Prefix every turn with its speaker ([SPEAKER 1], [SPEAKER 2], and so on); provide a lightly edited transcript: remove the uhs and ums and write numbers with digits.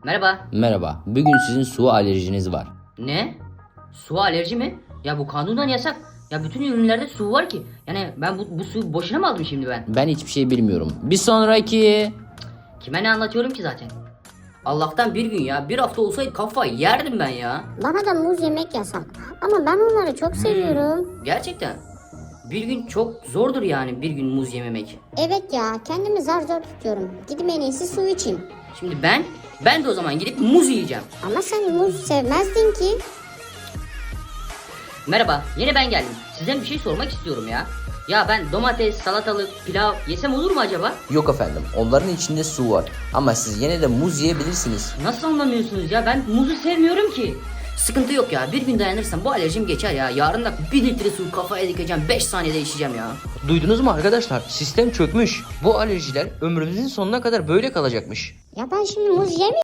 [SPEAKER 1] Merhaba.
[SPEAKER 2] Merhaba. Bugün sizin su alerjiniz var.
[SPEAKER 1] Ne? Su alerji mi? Ya bu kanundan yasak. Ya bütün ürünlerde su var ki. Yani ben bu suyu boşuna mı aldım şimdi ben?
[SPEAKER 2] Ben hiçbir şey bilmiyorum. Bir sonraki...
[SPEAKER 1] Kime ne anlatıyorum ki zaten? Allah'tan bir gün ya. Bir hafta olsaydı kafayı yerdim ben ya.
[SPEAKER 3] Bana da muz yemek yasak. Ama ben onları çok seviyorum.
[SPEAKER 1] Gerçekten. Bir gün çok zordur yani bir gün muz yememek.
[SPEAKER 3] Evet ya, kendimi zar zor tutuyorum. Gidip en iyisi su içeyim.
[SPEAKER 1] Şimdi ben de o zaman gidip muz yiyeceğim.
[SPEAKER 3] Ama sen muz sevmezdin ki.
[SPEAKER 1] Merhaba, yine ben geldim. Size bir şey sormak istiyorum ya. Ya ben domates, salatalık, pilav yesem olur mu acaba?
[SPEAKER 2] Yok efendim. Onların içinde su var. Ama siz yine de muz yiyebilirsiniz.
[SPEAKER 1] Nasıl anlamıyorsunuz ya? Ben muzu sevmiyorum ki. Sıkıntı yok ya. Bir gün dayanırsam bu alerjim geçer ya. Yarın da 1 litre su kafaya dikeceğim. 5 saniyede içeceğim ya.
[SPEAKER 4] Duydunuz mu arkadaşlar? Sistem çökmüş. Bu alerjiler ömrümüzün sonuna kadar böyle kalacakmış.
[SPEAKER 3] Ya ben şimdi muz yemeyeyim.